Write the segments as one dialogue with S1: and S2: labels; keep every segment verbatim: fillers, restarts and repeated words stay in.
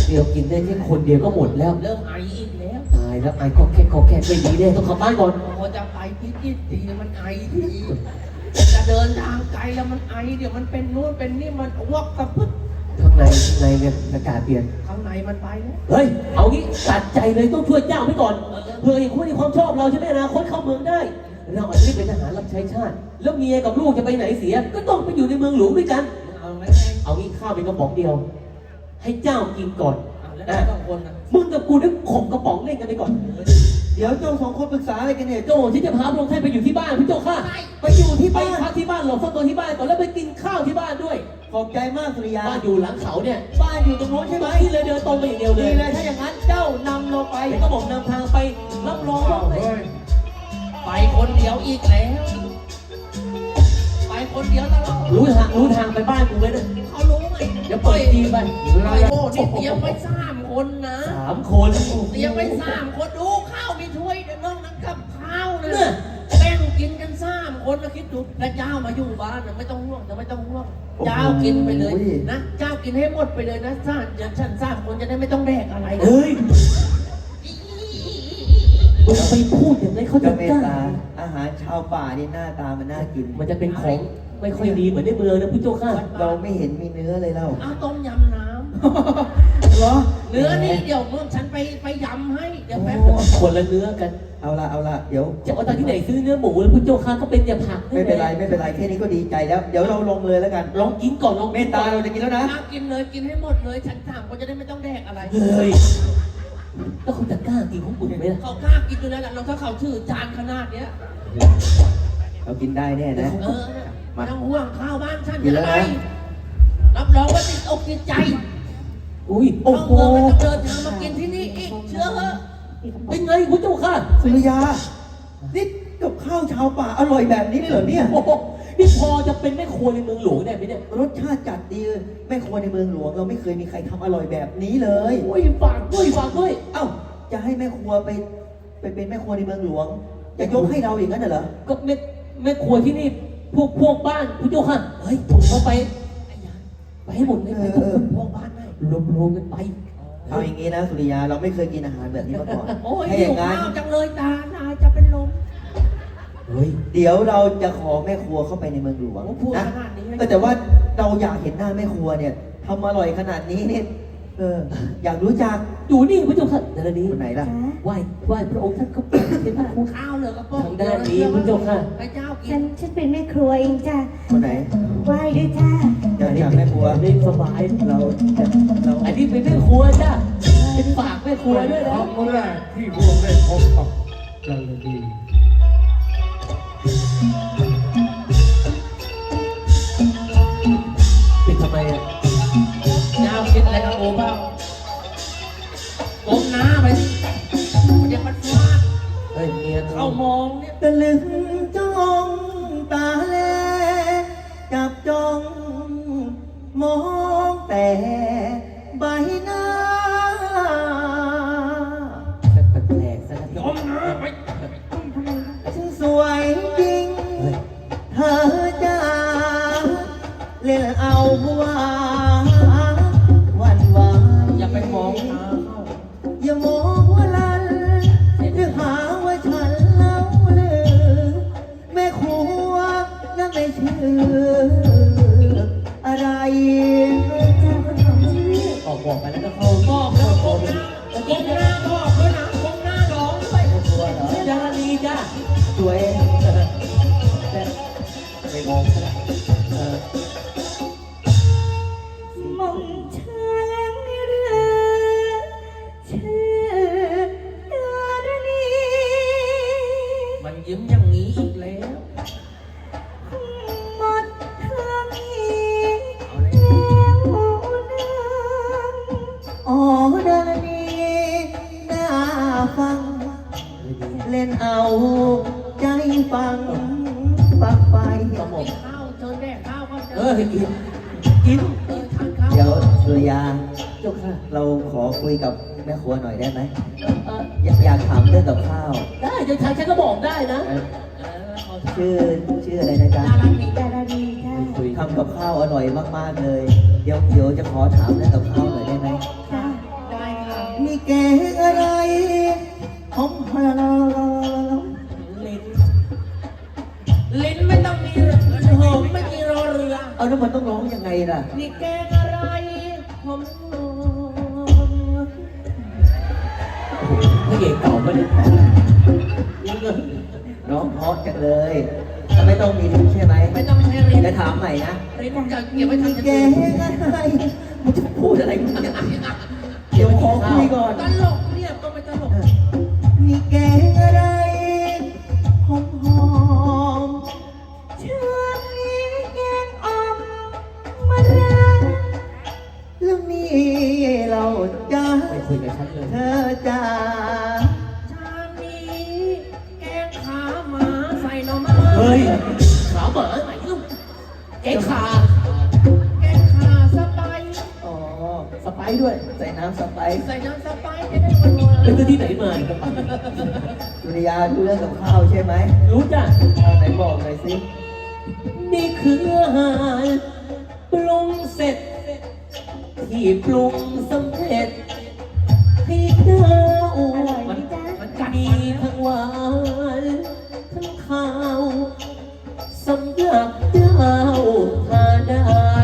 S1: เดียวกินได้แค่คนเดียวก็หมดแล้ว
S2: เริ่มไออีกแล้ว
S1: ตายแล้วไอ้ก็แค่ก็แค่ไม่ดีแน่ต้องขับบ้านก่อน
S2: พอจะไปพิจิตรทีมันไอทีจะเดินทางไกลแล้วมันไอเดี๋ยวมันเป็นนู่นเป็นนี่มันอ้วกกระพึด
S1: ข้างในข้างในเนี่ยอากาศเปลี่ยน
S2: ข้างในมันไปแล้ว
S1: เฮ้ยเอางี้ตัดใจเลยต้องช่วยเจ้าไว้ก่อนเพื่อให้คุณมีความชอบเราจะได้อนาคตเข้าเมืองได้เราอาจจะได้เป็นทหารรับใช้ชาติแล้วเมียกับลูกจะไปไหนเสียก็ต้องไปอยู่ในเมืองหลวงด้วยกัน
S2: เอาไหม
S1: เอางี้ข้าวเป็นกระป๋องเดียว ให้เจ้ากินก่อน
S2: เอาแล้ว
S1: นะ
S2: สองคนนะ
S1: มึงกับกูนึกข่มกระป๋องเล่นกันไปก่อน
S3: เดี๋ยวเจ้าสองคนปรึกษาอะไรกันเนี่ย
S1: โจ้ที่จะพาพระองค์ท่านไปอยู่ที่บ้านพี่โจ้ข้า
S3: ไปอยู่ที่
S1: ไป
S3: บ้าน
S1: พักที่บ้านหลบซ่อนตัวที่บ้านก่อนแล้วไปกินข้าวที่บ้านด้วย
S3: ขอบใจมากสุริยา
S1: บ้านอยู่หลังเขาเนี่ย
S3: บ้านอยู่ตรงโน้นใช่ไหม
S1: ที่เลยเดินตรงไปอย่างเดียวเล
S3: ดี
S1: ย
S3: เลยถ้าอย่างนั้นเจ้านำเราไป
S1: แล้วก็บอกนำทางไปรับรองว่าไม่
S2: ไปคนเดียวอีกแล้ว ไปคนเดียวตลอด
S1: รู้ทางรู้ทางไปบ้านกูไหมเนี่ย
S2: เขารู้ไหม
S1: เดี๋ยวเปิดจีไป
S2: ไอโม่นี่เตรียมไว้สามคนนะ
S1: สามคน
S2: เตรียมไว้สามคนดูข้าวมีถ้วยเดี๋ยวนอกนั้นกับข้าวนะ
S1: เนี่ย
S2: แบ่งกินกันสามคนนะคิดดูแล้วเจ้ามาอยู่บ้านนะไม่ต้องห่วงจะไม่ต้องห่วงเจ้ากินไปเลยนะเจ้ากินให้หมดไปเลยนะสามอย่างฉันสามคนจะได้ไม่ต้องแดกอะไรนะ
S1: เฮ้ยมึงไปพูดอย่างไรเขา
S3: ก็
S1: จะ
S3: เม
S1: ก
S3: ต
S1: ล้า
S3: ตาอาหารชาวป่านี่หน้าตามันน่ากิน
S1: มันจะเป็นของไม่ค่อยดีเหมือนในเมืองนะพี่โจ้ข้า
S3: เราไม่เห็นมีเนื้อเลยเล่า
S2: เอาต้มยำน้ำ
S3: เหรอ
S2: เนื้อนี่เดี๋ยวมึงฉันไปไปยำให้เดี๋ยวแป๊บ
S1: คนละเนื้อกัน
S3: เอาละเอาละเดี๋ยว
S1: จะเอาตอนที่ไหนซื้อเนื้อหมูแล้วพี่โจ้ข้าก็เป็นแต่ผัก
S3: ไม่เป็นไรไม่เป็นไรแค่นี้ก็ดีใจแล้ว เดี๋ยวเราลงเลยแล้วกัน
S1: ลองกินก่อนลอง
S3: เมตตาเราจะกินแล้วนะ
S2: ข้าวกินเลยกินให้หมดเลยฉันสามคนจะได้ไม่ต้องแดกอะไร
S1: เฮ้ยแล้วเขาจะกล้ากินของมึงไหมล่ะ
S2: เขากล้ากินอยู่แล้วแหละเราถ้าเขาถือจานขนาดเนี้ย
S3: เรากินได้แน่นะ
S2: เออไม่ต้องห่วงข้าวบ้านฉัน
S3: กินแล้วนะ
S2: ไปรับรองว่าติดอกติดใจ
S1: อุ้ยโอ้
S2: เข้า
S1: โห
S2: เมืองแล้วต้องเดินทางมากินที่นี่อีกเชื่อเหอะ
S1: เป็นไงพี่โจ้ข้า
S3: สุริยานี่กับข้าวชาวป่าอร่อยแบบนี้เลยเหรอเนี่ย
S1: โอ้โหนี่พอจะเป็นแม่ครัวในเมืองหลวงได้ไหมเนี่ย
S3: รสชาติจัดดีแม่ครัวในเมืองหลวง เราไม่เคยมีใครทำอร่อยแบบนี้เลย
S1: โอ้ยฝากด้วยฝากด้วย
S3: เอ้าจะให้แม่ครัวไปไปเป็นแม่ครัวในเมืองหลวงจะยกให้เราอย่างนั้นน่ะเหรอ
S1: ก็แม่แม่ครัวที่นี่พวกพวกบ้านพี่โจ้ข้าเฮ้ยผมเอาไปไปให้หมดเลยไปพวกพวกบ้านได้รวมรวมกันไป
S3: เอาอย่างนี้นะสุริยาเราไม่เคยกินอาหารแบบนี้มาก่อน
S2: โอ้ย
S3: ให้อ
S2: หิว
S3: ย่างนั้น
S2: ข้าวจังเลยตาตาจะเป็นลม
S1: เฮ้ย
S3: เดี๋ยวเราจะขอแม่ครัวเข้าไปในเมืองหลวง
S2: โอ้พูด
S3: นะ
S2: ขนาดนี้เลย
S3: เออแต่ว่าเราอยากเห็นหน้าแม่ครัวเนี่ยทำอร่อยขนาดนี้เนี่ยเอออยากรู้จัก
S1: อยู่นี่พี่โจ้ข้าเดี๋ยวนี้
S3: คนไหนล่ะ
S1: ไหว้ไหว้พระองค์ท่านก็เป็นใช่ไหม
S2: ข้าวเหลือกระป๋อง
S1: ทางด้านนี้คุณเจ้าค่ะ
S2: ให้เจ้ากิ
S4: ฉั
S2: น
S4: นฉันเป็นแม่ครัวเองจ้ะ
S3: คนไหน
S4: ไหว้ด้วยจ้า
S3: อยากจากแม่ครัว
S1: ได้สบาย
S3: เราเรา
S1: อันนี้เป็นแม่ครัวจ้ะเป็นฝากแม่ครัวด้วยนะ
S5: ครั้งแรกที่พวกได้พบกับจันดี
S1: เป็นทำไมอ่ะ
S2: เจ้ากินอะไรกับโอ้บ้างก้มหน้าไปสิเดี๋ยวมันฟาด
S1: เฮ้ยเมีย
S2: เข้ามองเนี่ย
S3: ตะลึงจ้องตาแลจับจ้องมองแต่ใบหน้า
S1: แปลกๆซะแล้ว
S2: ก้มหน้าไป
S3: ฉันสวยจริง
S1: เฮ้ย
S3: เธอจะเล่นเอาหัววันวาน
S2: อย่าไปมองตาเขา
S3: อย่ามองว่าลันหรือหาว่าฉันเล่าลือแม่ครัวนั่นไม่ชื่ออะไร
S4: เจ้าคนของชื่อ
S1: ออกบอกไปแล้วก็เข้า
S2: บอกแล้วก้มหน้าก้มหน้าบอกด้วยนะก้มหน้าร้องด้วย
S3: แม่ครัวเหรอ
S1: ดารีจ้ะ
S3: สวย
S1: ไม่มองซะแล้วเออ
S4: มองเธอแล้วไม่เรือชื่อดารณี
S2: มันยิ้มอย่างนี้อีกแล้ว
S4: หมดเธอมี
S2: เอาเลย
S4: แล้วนาง
S3: อ๋อดารณีน่าฟัง เล่นเอาใจฟังฟังไป
S1: กระหม่อม
S2: กินข้าวเชิญแดกข้าวก็เจ
S1: เอ
S2: อ
S1: อกินกิน
S2: เออทานข้าว
S3: เดี๋ยวสุริยา
S1: เจ้าค่ะ
S3: เราขอคุยกับแม่ครัวหน่อยได้ไหม
S1: เออ
S3: อยากอยากถามเรื่องกับข้าว
S1: ได้เดี๋ยวฉันฉันก็บอกได้นะ
S3: เอ่อ
S2: เออเอา
S3: ชื่อชื่ออะไรนะจ๊ะ
S2: น่ารักดี
S4: ดารณีจ้า
S1: คุย
S3: ทำกับข้าวอร่อยมากๆเลย เดี๋ยวเดี๋ยวจะขอถามเรื่องกับข้าวหน่อยได้ไหม
S4: จ้า
S1: ระเอกเก่าปะเนี่ย
S3: ร้องเพราะจังเลยถ้าไม่ต้องมีลิ้นใช่ไหม
S2: ไม่ต้องใช้ลิ้น
S3: จะถามใหม่นะ
S2: ลิ้นจะเก็บไว้ทำ
S3: แก
S2: อย่างอื่น
S3: อะไรมึงจะพูดอะไรมึงเนี่ยเดี๋ยวขอคุยก่อน
S2: ตลกเนี่ยก็ไม่ตลก
S3: นี่แกอะไรหอมหอม
S4: เชื่อนี้แกงอ่อมมะระ
S3: ๆแล้วนี่เราจะ
S1: ไม่คุยกับฉันเลย
S3: เธอจะ
S2: ชามนี้แกงขาหมาใส่หน่อไม้
S1: เฮ้ยขาหมาไหนลูกแกขา
S2: แกงขาสไปซ์
S3: อ๋อ
S1: สไปซ์ด้วย
S3: ใส่น้ำสไปซ์
S2: ใส่น้ำสไปซ์จะได้หวานหวาน
S1: เป็นตัวที่ไหนมา
S3: ดุริยาดูเรื่องกับข้าวใช่ไหม
S1: รู้จ้ะ
S3: เอาไหนบอกหน่อยสิ
S1: นี่คืออาหารปรุงเสร็จ ที่ปรุงสำเร็จให้เจ้า
S4: อร่อยไหมจ๊ะ
S2: มันกัด
S1: มีทั้งหวานทั้งข้าวสำหรับเจ้าทานได้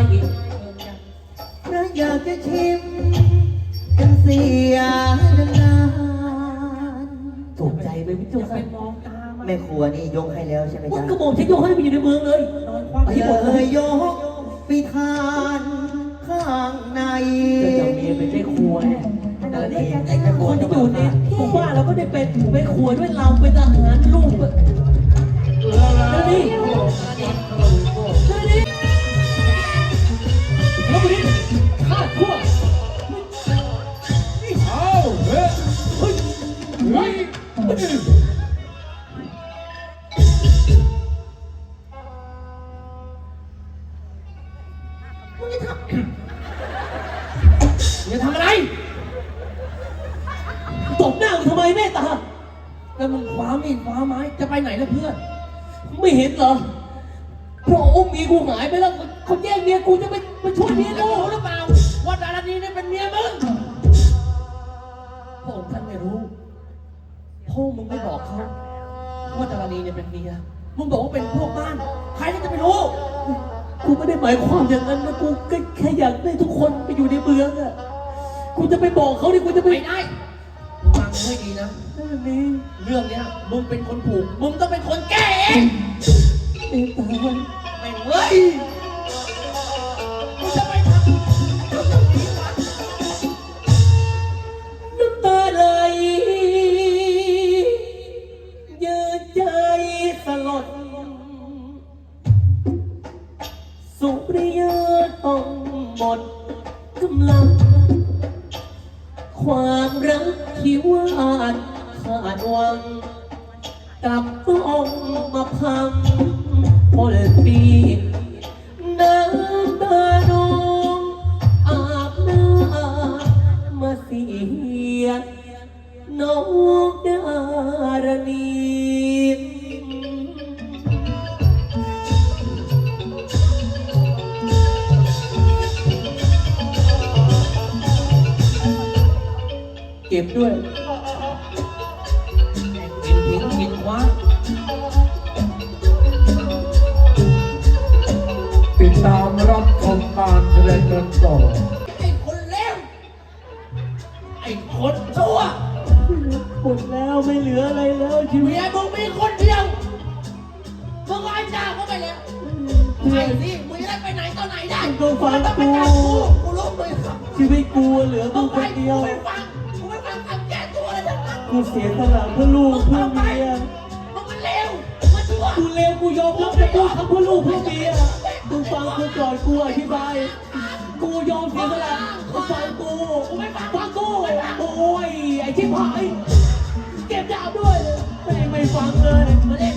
S3: ถ้าอยากจะชิมกันเสียนาน
S1: ถูกใจไหมพี่
S2: อ
S1: จุ๊
S2: ย่าไปมองตามัน
S3: ๆแม่ครัวนี่ยกให้แล้วใช่ไหม
S1: ว่า
S3: จ๊ะ
S1: กระบอกฉันยกให้ไปอยู่ในเมืองเลย
S2: นอนคว่ำ
S1: ไปให้หมด
S3: เล
S1: เลย
S3: ยยกไปทานข้างใน
S1: ก็จะมีเป็นแม่ครัวเนี่ย
S4: อร่อยไหมจ๊ะ
S3: ไอ้แม่ครั
S1: ค
S3: วน
S1: ที่
S3: จะ
S1: อยู่ในหมู่บ้านเราก็ได้เป็นแม่ครัวด้วยเราเป็นทหารลูกอะแล้วนี่แล้วนี่แล้วนี่ข้าทั่ว
S5: เอาเฮ้ยเฮ้ยเฮ้ย
S2: มึงจะทำมึงจะทำอะไร
S1: ตบหน้ากูทำไมแม่ตา
S2: แล้วมึงคว้ามีดคว้าไม้จะไปไหนล่ะเพื่อน
S1: ไม่เห็นเหรอพระองค์มีกูหายไปแล้วเขาแย่งเมียกูจะไปไปช่วยเมีย
S2: แล้ว
S1: กู
S2: รู้หรือเปล่าว่าดารานีนี่เป็นเมียมึงพระองค์ท่านไม่รู้พ่อมึงไม่บอกเขาว่าดารานีเนี่ยเป็นเมียมึงบอกว่าเป็นพวกบ้านใครจะไปรู้
S1: กูไม่ได้หมายความอย่างนั้นนะกูก็แค่อยากได้ทุกคนไปอยู่ในเมืองอะกูจะไปบอกเขาดิกูจะไป
S2: ไม่ได้มึงฟังกูให้ดีนะ
S1: นั่นนี่
S2: เรื่องเนี้ยมึงเป็นคนผูกมึงต้องเป็นคนแก้เอง
S1: เอ็ตา
S2: แม่งเว้ยมึงจะไปทำทำอย่างนี้วะ
S1: น้ำตาไหลยืนใจสลดสุริยะต้องหมดกำลัง ความรักที่หวานขาดหวังกลับต้องมาพังพลปีน้ำตาน้องอาบหน้ามาเสียน้องดารณีเก็บด้วย
S2: กินทิ้งกินคว้า
S5: ติดตามรับชมการแสดงกันต่อ
S2: ไอ้คนเลวไอ้คนชั่ว
S1: หมดแล้วไม่เหลืออะไรแล้วชีวิ
S2: เมี
S1: ต
S2: ยมึงมีคนเดียวมึงไอ้เจ้าก็ไปแล้วไอ้สิมึงจะได้ไปไหนตอนไหนได้
S1: ก็ฟัง
S2: ต้องไป
S1: กู
S2: จับกูกูรู้มึงครับ
S1: ชีวิตกูเหลือ
S2: มึ
S1: มึ
S2: ง
S1: ง
S2: ไป
S1: คน
S2: กู
S1: เดียว
S2: ไม่ฟังกูไม่ฟังคำแก้ตัวเลยทั้งนั้น
S1: กูเสียสละเพื่อลูกเพื่อเมีย
S2: มึงมันเลวมึงชั่ว
S1: กูเลวกูยอมรับแต่กูทำเพื่อลูกเพื่อเมียกูฟังกูก่อนกูอธิบาย กูยอมเสียสละกูฟังกูฟังกูโอ้ยไอ้ชิบหายเก็บดาบด้วยแม่งไม่ฟังเลย
S2: มาเลว